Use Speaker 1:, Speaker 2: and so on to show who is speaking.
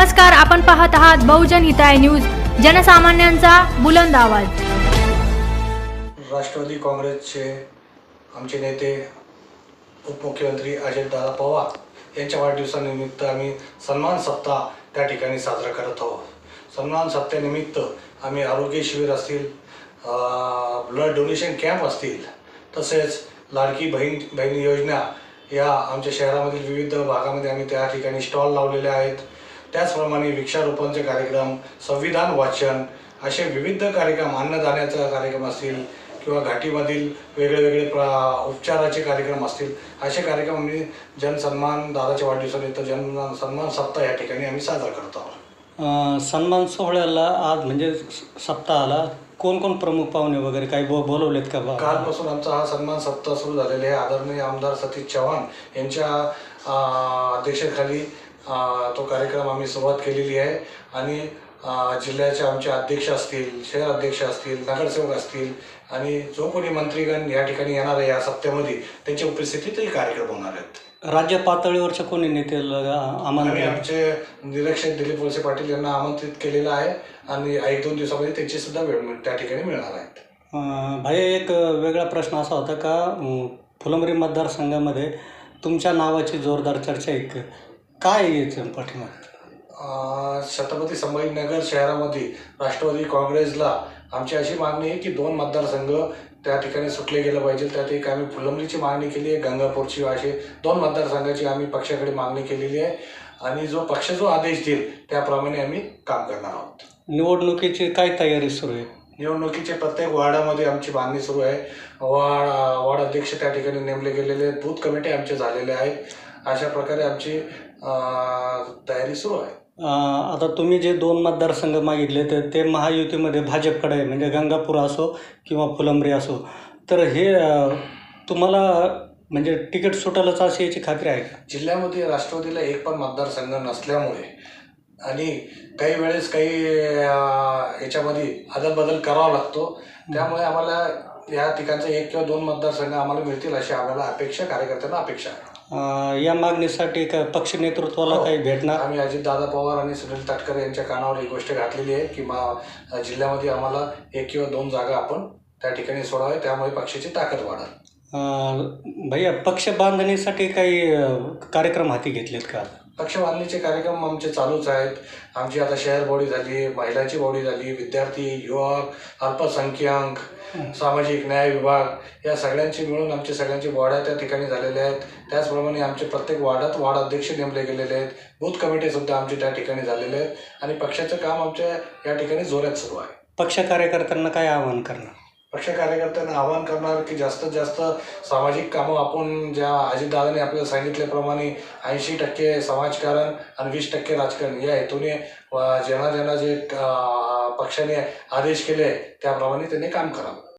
Speaker 1: नमस्कार, आपण पाहत आहात बहुजन हिताय न्यूज, जनसामान्यांचा बुलंद आवाज।
Speaker 2: राष्ट्रवादी काँग्रेसचे आमचे नेते उपमुख्यमंत्री अजितदादा पवार यांच्या वाढदिवसानिमित्त आम्ही सन्मान सप्ताह त्या ठिकाणी साजरा करत आहोत। सन्मान सप्ताहानिमित्त आम्ही आरोग्य शिबिर असतील, ब्लड डोनेशन कॅम्प असतील, तसेच लाडकी बहीण योजना या आमच्या शहरामधील विविध भागामध्ये आम्ही त्या ठिकाणी स्टॉल लावलेले आहेत। त्याचप्रमाणे वृक्षारोपणचे कार्यक्रम, संविधान वाचन असे विविध कार्यक्रम, अन्नदानाचा कार्यक्रम असतील किंवा घाटीमधील वेगळे उपचाराचे कार्यक्रम असतील, असे कार्यक्रम आम्ही जनसन्मान दादाच्या वाढदिवसानिमित्त जनसन्मान सप्ताह या ठिकाणी आम्ही साजरा करत आहोत।
Speaker 3: सन्मान सोहळ्याला आज म्हणजे सप्ताहाला कोण प्रमुख पाहुणे वगैरे काही बोलवलेत का?
Speaker 2: कालपासून आमचा हा सन्मान सप्ताह सुरू झालेला आहे। आदरणीय आमदार सतीश चव्हाण यांच्या अध्यक्षतेखाली तो कार्यक्रम आम्ही सुरुवात केलेली आहे आणि जिल्ह्याचे आमचे अध्यक्ष असतील, शहर अध्यक्ष असतील, नगरसेवक असतील आणि जो कोणी मंत्रीगण या ठिकाणी येणार आहे या सप्त्यामध्ये त्यांच्या उपस्थितीतही कार्यक्रम होणार आहेत।
Speaker 3: राज्य पातळीवरच्या कोणी नेत्याला
Speaker 2: आम्ही आमचे निरीक्षक दिलीप वळसे पाटील यांना आमंत्रित केलेलं आहे आणि 1-2 दिवसामध्ये त्यांची सुद्धा वेळ त्या ठिकाणी मिळणार आहेत।
Speaker 3: भाई, एक वेगळा प्रश्न असा होता का फुलंब्री मतदारसंघामध्ये तुमच्या नावाची जोरदार चर्चा आहे, काय याचं पाठिंबा?
Speaker 2: छत्रपती संभाजीनगर शहरामध्ये राष्ट्रवादी काँग्रेसला आमची अशी मागणी आहे की 2 मतदारसंघ त्या ठिकाणी सुटले गेलं पाहिजे। त्यात एक आम्ही फुलंब्रीची मागणी केली आहे, गंगापूरची, असे 2 मतदारसंघाची आम्ही पक्षाकडे मागणी केलेली आहे आणि पक्ष जो आदेश देईल त्याप्रमाणे आम्ही काम करणार आहोत।
Speaker 3: निवडणुकीची काय तयारी सुरू आहे?
Speaker 2: निवडणुकीचे प्रत्येक वार्डामध्ये आमची बांधणी सुरू आहे। वार्ड अध्यक्ष त्या ठिकाणी नेमले गेलेले आहेत, बूथ कमिटी आमचे झालेले आहेत। अशा प्रकारे आमची तयारी सुरू आहे।
Speaker 3: आता तुम्ही जे 2 मतदारसंघ मागितले तर ते महायुतीमध्ये भाजपकडे आहे, म्हणजे गंगापूर असो किंवा फुलंब्री असो, तर हे तुम्हाला म्हणजे तिकीट सुटायलाच अशी याची खात्री आहे का?
Speaker 2: जिल्ह्यामध्ये राष्ट्रवादीला एक पण मतदारसंघ नसल्यामुळे आणि काही वेळेस काही याच्यामध्ये अदलबदल करावा लागतो, त्यामुळे आम्हाला या ठिकाणचा 1 किंवा 2 मतदारसंघ आम्हाला मिळतील अशी आम्हाला अपेक्षा, कार्यकर्त्यांना अपेक्षा आहे।
Speaker 3: या मागणीसाठी का पक्ष नेतृत्वाला काही भेटणार?
Speaker 2: आम्ही अजितदादा पवार आणि सुनील तटकरे यांच्या कानावर ही गोष्ट घातलेली आहे की जिल्ह्यामध्ये आम्हाला 1 किंवा 2 जागा आपण त्या ठिकाणी सोडावे, त्यामुळे पक्षाची ताकद वाढेल।
Speaker 3: भैया, पक्ष बांधणीसाठी काही कार्यक्रम हाती घेतलेत का?
Speaker 2: पक्ष बांधणीचे कार्यक्रम आमचे चालूच आहेत। आमची आता शहर बॉडी झाली, महिलांची बॉडी झाली, विद्यार्थी, युवक, अल्पसंख्याक, सामाजिक न्याय विभाग या सगळ्यांची मिळून आमचे सगळ्यांची बॉड्या त्या ठिकाणी झालेल्या आहेत। त्याचप्रमाणे आमचे प्रत्येक वार्डात वार्ड अध्यक्ष नेमले गेलेले आहेत, बूथ कमिटीसुद्धा आमचे त्या ठिकाणी झालेले आहेत आणि पक्षाचं काम आमच्या या ठिकाणी जोरात सुरू आहे।
Speaker 3: पक्ष कार्यकर्त्यांना काय आवाहन करणार?
Speaker 2: पक्ष कार्यकर्त्यांना आवाहन करणार की जास्तीत जास्त सामाजिक कामं आपण ज्या अजितदादांनी आपल्याला सांगितल्याप्रमाणे 80% समाजकारण आणि 20% राजकारण या हेतूने ज्यांना जे पक्षाने आदेश केले त्याप्रमाणे त्यांनी काम करावं।